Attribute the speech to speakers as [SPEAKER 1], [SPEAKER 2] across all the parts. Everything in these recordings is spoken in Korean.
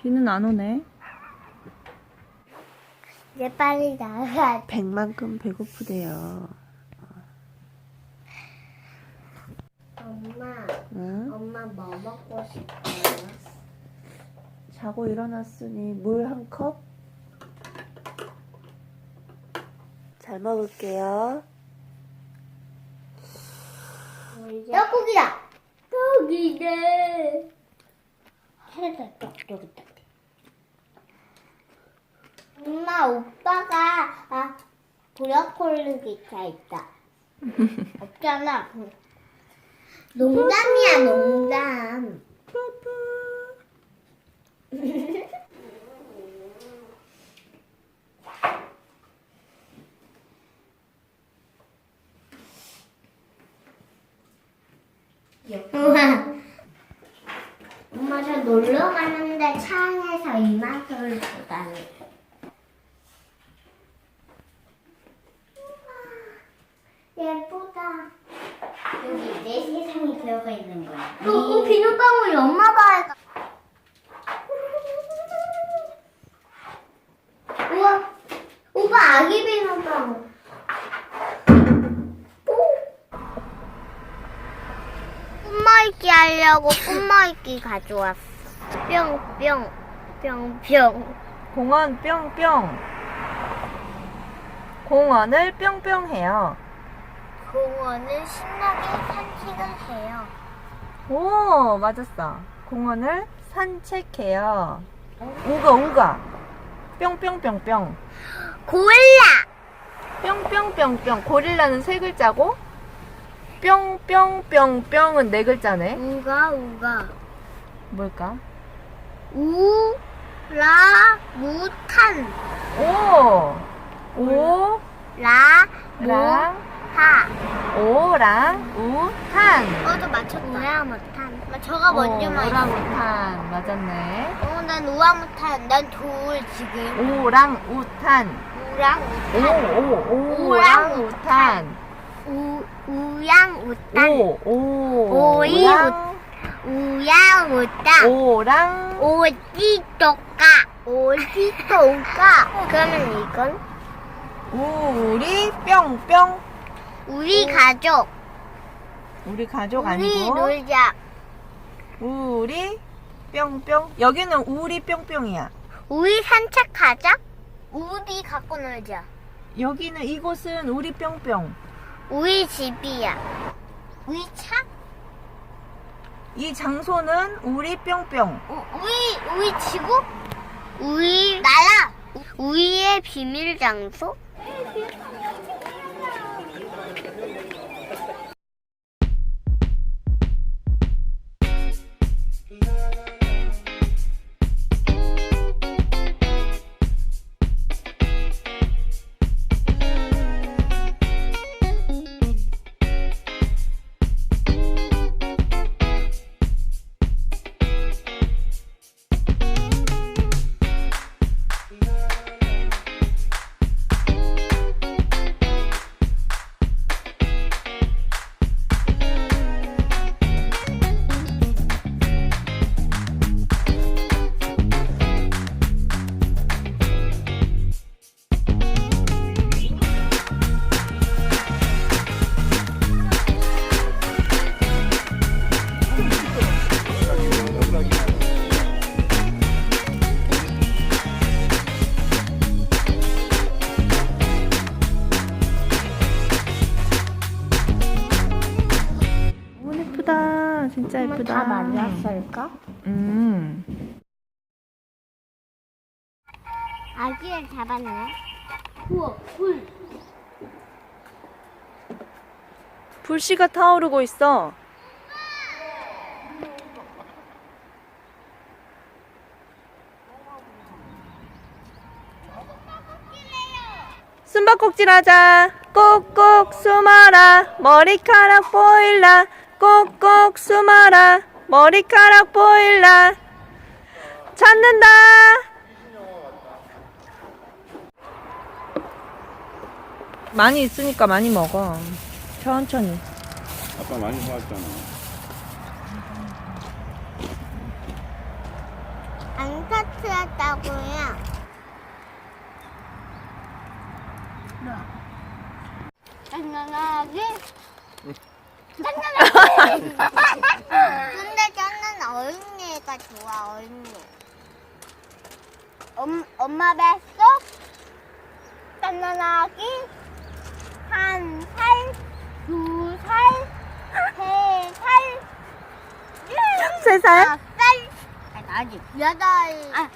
[SPEAKER 1] 비는 안 오네.
[SPEAKER 2] 이제 빨리 나가.
[SPEAKER 1] 백만큼 배고프대요.
[SPEAKER 2] 엄마,
[SPEAKER 1] 응?
[SPEAKER 2] 엄마 뭐 먹고 싶어요?
[SPEAKER 1] 자고 일어났으니 물 한 컵? 잘 먹을게요.
[SPEAKER 2] 떡국이다. 떡이네. 해다 떡 여기 있다. 엄마 오빠가 브로콜리 기차 있다. 없잖아. 농담이야 농담. 엄마 저 놀러 가는데 차 안에서 이 맛을 보다니. 예쁘다. 여기 내 세상이 들어가 있는 거야. 비눗방울이 엄마 봐야. 우와, 오빠 아기 비눗방울. 꿈말기 하려고 꿈말기 가져왔어. 뿅뿅 뿅뿅.
[SPEAKER 1] 공원 뿅뿅. 공원을 뿅뿅 해요.
[SPEAKER 2] 공원을 신나게 산책을 해요.
[SPEAKER 1] 오, 맞았어. 공원을 산책해요. 우가. 뿅뿅뿅뿅.
[SPEAKER 2] 고릴라.
[SPEAKER 1] 뿅뿅뿅뿅. 고릴라는 세 글자고, 뿅뿅뿅뿅은 네 글자네.
[SPEAKER 2] 우가
[SPEAKER 1] 뭘까?
[SPEAKER 2] 우라무탄.
[SPEAKER 1] 랑,
[SPEAKER 2] 하.
[SPEAKER 1] 오랑우탄.
[SPEAKER 2] 또 맞췄다. 우라무탄. 저가 먼저 맞췄어.
[SPEAKER 1] 오랑우탄. 맞았네.
[SPEAKER 2] 난 우라무탄. 난 돌 지금.
[SPEAKER 1] 오랑우탄.
[SPEAKER 2] 우랑우탄.
[SPEAKER 1] 오랑우탄.
[SPEAKER 2] 우양우탄.
[SPEAKER 1] 오랑.
[SPEAKER 2] 우양우탄.
[SPEAKER 1] 오랑.
[SPEAKER 2] 어디도가. 그러면 이건
[SPEAKER 1] 우리 뿅뿅.
[SPEAKER 2] 우리 가족.
[SPEAKER 1] 우리 가족
[SPEAKER 2] 우리
[SPEAKER 1] 아니고
[SPEAKER 2] 놀자.
[SPEAKER 1] 우리 뿅뿅. 여기는 우리 뿅뿅이야.
[SPEAKER 2] 우리 산책하자. 우리 갖고 놀자.
[SPEAKER 1] 여기는 이곳은 우리 뿅뿅.
[SPEAKER 2] 우리 집이야. 우리 차?
[SPEAKER 1] 이 장소는 우리 뿅뿅.
[SPEAKER 2] 우리 지구? 우리 나라. 우리의 비밀 장소?
[SPEAKER 1] 예쁘다. 진짜 예쁘다.
[SPEAKER 2] 다 말랐을까? 아기를 잡았네. 우와, 불.
[SPEAKER 1] 불씨가 타오르고 있어. 숨바꼭질 하자. 꼭꼭 숨어라. 머리카락 보일라. 꼭꼭 숨어라. 머리카락 보일라. 찾는다. 많이 있으니까 많이 먹어. 천천히.
[SPEAKER 3] 아빠 많이 사왔잖아.
[SPEAKER 2] 안 터트렸다고요. 짠짠하게. 짠짠하게. 근데 저는 어린이가 좋아, 어린이. 엄마 뱃속 짠짠하기. 1살, 2살, 3살,
[SPEAKER 1] 3살?
[SPEAKER 2] 4살, 아직 8살.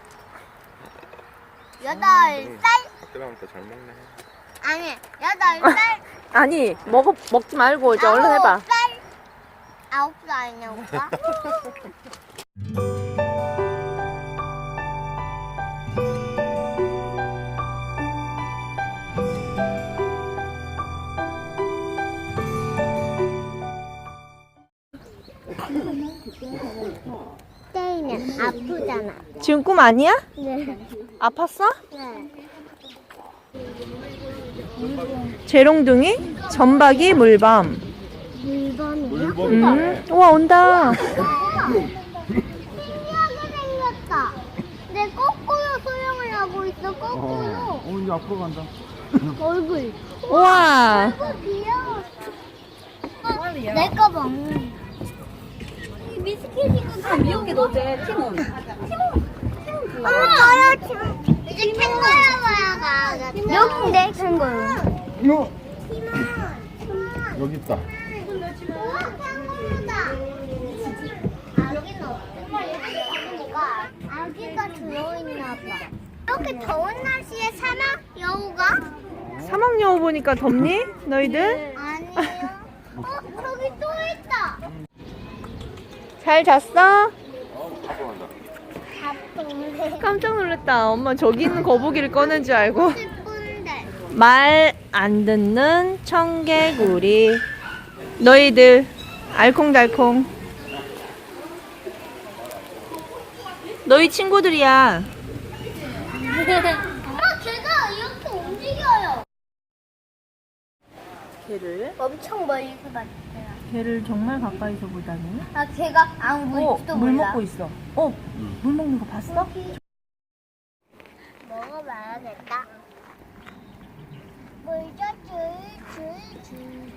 [SPEAKER 2] 8살?
[SPEAKER 3] 그때부터 잘 먹네.
[SPEAKER 2] 아니, 8살.
[SPEAKER 1] 아니, 먹지 말고 이제 얼른 해봐.
[SPEAKER 2] 9살 아니냐고. 때리면 아프잖아.
[SPEAKER 1] 지금 꿈 아니야?
[SPEAKER 2] 네.
[SPEAKER 1] 아팠어?
[SPEAKER 2] 네.
[SPEAKER 1] 재롱둥이, 전박이, 물범.
[SPEAKER 2] 물범이요?
[SPEAKER 1] 우와, 온다.
[SPEAKER 2] 신기하게 생겼다. 내 거꾸로 소형을 하고 있어. 거꾸로.
[SPEAKER 3] 이제 앞으로 간다.
[SPEAKER 2] 얼굴.
[SPEAKER 1] 우와.
[SPEAKER 2] 얼굴 귀여워. 내 거 먹는. 미스켓이가 다
[SPEAKER 4] 미역이 너제 티몬.
[SPEAKER 2] 엄마 저요 지금 이제 캥거루 봐야 가. 여긴데 캥거루.
[SPEAKER 3] 여기 있다.
[SPEAKER 2] 우와 캥거루다. 아기는 없으니까 아기가 들어있나 봐. 이렇게 더운 날씨에 사막 여우가?
[SPEAKER 1] 사막 여우 보니까 덥니? 너희들?
[SPEAKER 2] 아니에요. 저기 또 있다.
[SPEAKER 1] 잘 잤어?
[SPEAKER 3] 앞으로 간다.
[SPEAKER 2] 바쁜데.
[SPEAKER 1] 깜짝 놀랐다. 엄마 저기 있는 거북이를 꺼낸 줄 알고.
[SPEAKER 2] 싶은데.
[SPEAKER 1] 말 안 듣는 청개구리. 너희들 알콩달콩. 너희 친구들이야.
[SPEAKER 2] 걔가 이렇게 움직여요.
[SPEAKER 1] 걔를?
[SPEAKER 2] 엄청 멀리서 봤어요.
[SPEAKER 1] 걔를 정말 가까이서 보다니.
[SPEAKER 2] 아, 걔가 안 보일지도
[SPEAKER 1] 물
[SPEAKER 2] 몰라.
[SPEAKER 1] 먹고 있어. 물 먹는 거 봤어?
[SPEAKER 2] 먹어봐야겠다. 물죠, 줄줄줄줄줄줄.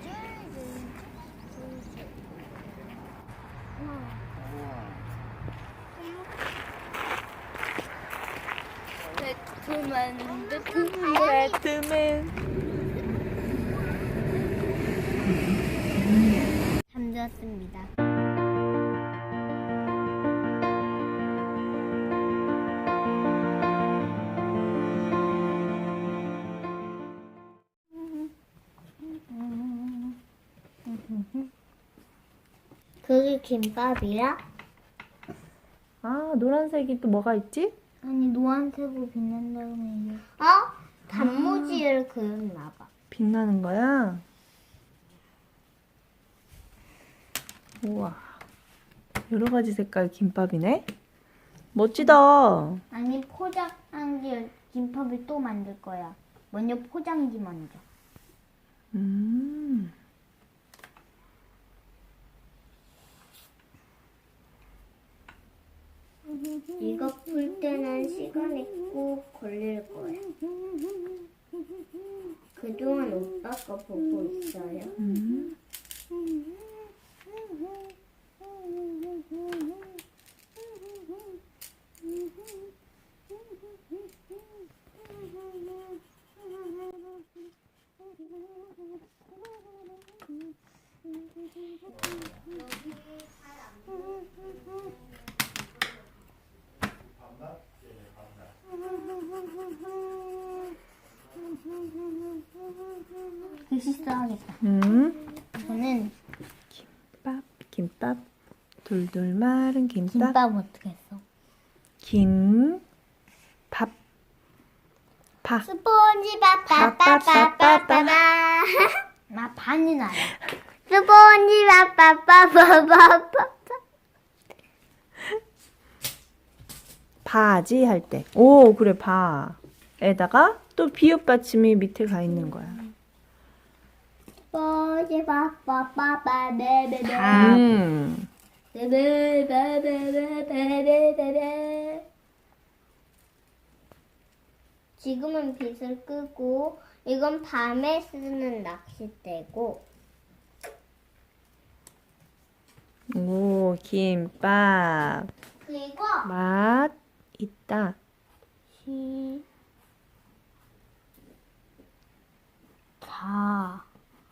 [SPEAKER 1] 배트맨.
[SPEAKER 2] 잠들었습니다. 그게 김밥이야?
[SPEAKER 1] 아, 노란색이 또 뭐가 있지?
[SPEAKER 2] 아니 노란색으로 빛난 다음에 단무지를 그렸나 봐.
[SPEAKER 1] 빛나는 거야? 우와. 여러 가지 색깔 김밥이네? 멋지다.
[SPEAKER 2] 아니 포장한 게 김밥을 또 만들 거야. 먼저 포장지 먼저.
[SPEAKER 1] 음.
[SPEAKER 2] 이거 풀 때는 시간이 꼭 걸릴 거야. 그동안 오빠가 보고 있어요. 글씨 써야겠다. 저는
[SPEAKER 1] 김밥. 돌돌 마른 김밥.
[SPEAKER 2] 김밥 어떻게 했어?
[SPEAKER 1] 밥. 파.
[SPEAKER 2] 스폰지밥
[SPEAKER 1] 빠빠빠빠빠.
[SPEAKER 2] 나 반은 알아. 스폰지밥 빠빠빠빠빠.
[SPEAKER 1] 바지 할 때. 오, 그래, 바에다가 또 비읍 받침이 밑에 가 있는 거야.
[SPEAKER 2] 스폰지밥 빠빠빠 네네네.
[SPEAKER 1] 음.
[SPEAKER 2] 네네네네네네네. 지금은 빛을 끄고 이건 밤에 쓰는 낚싯대고
[SPEAKER 1] 오, 김밥.
[SPEAKER 2] 그리고
[SPEAKER 1] 맛 있다.
[SPEAKER 2] 다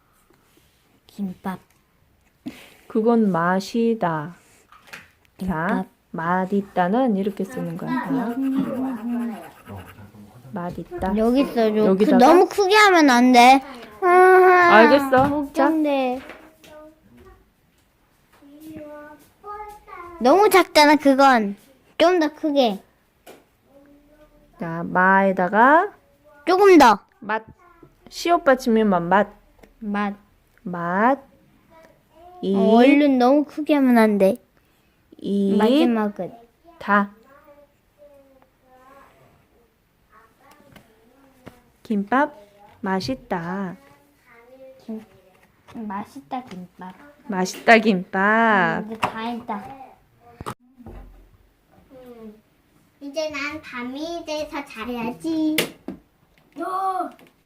[SPEAKER 2] 김밥.
[SPEAKER 1] 그건 맛이다. 자,
[SPEAKER 2] 김밥.
[SPEAKER 1] 맛 있다는 이렇게 쓰는 거야. 자,
[SPEAKER 2] 와봐요.
[SPEAKER 1] 맛 있다.
[SPEAKER 2] 여기 써줘.
[SPEAKER 1] 여기다가?
[SPEAKER 2] 너무 크게 하면 안 돼.
[SPEAKER 1] 알겠어. 자,
[SPEAKER 2] 걱정돼. 너무 작잖아 그건. 좀 더 크게.
[SPEAKER 1] 자, 마에다가
[SPEAKER 2] 조금 더.
[SPEAKER 1] 맛. 시옷 받침이면 맛.
[SPEAKER 2] 맛.
[SPEAKER 1] 맛. 이.
[SPEAKER 2] 얼른 너무 크게 하면 안 돼.
[SPEAKER 1] 이.
[SPEAKER 2] 마지막은.
[SPEAKER 1] 다. 김밥 맛있다.
[SPEAKER 2] 맛있다 김밥.
[SPEAKER 1] 맛있다 김밥.
[SPEAKER 2] 이제 다 했다. 이제 난 밤이 돼서 자야지.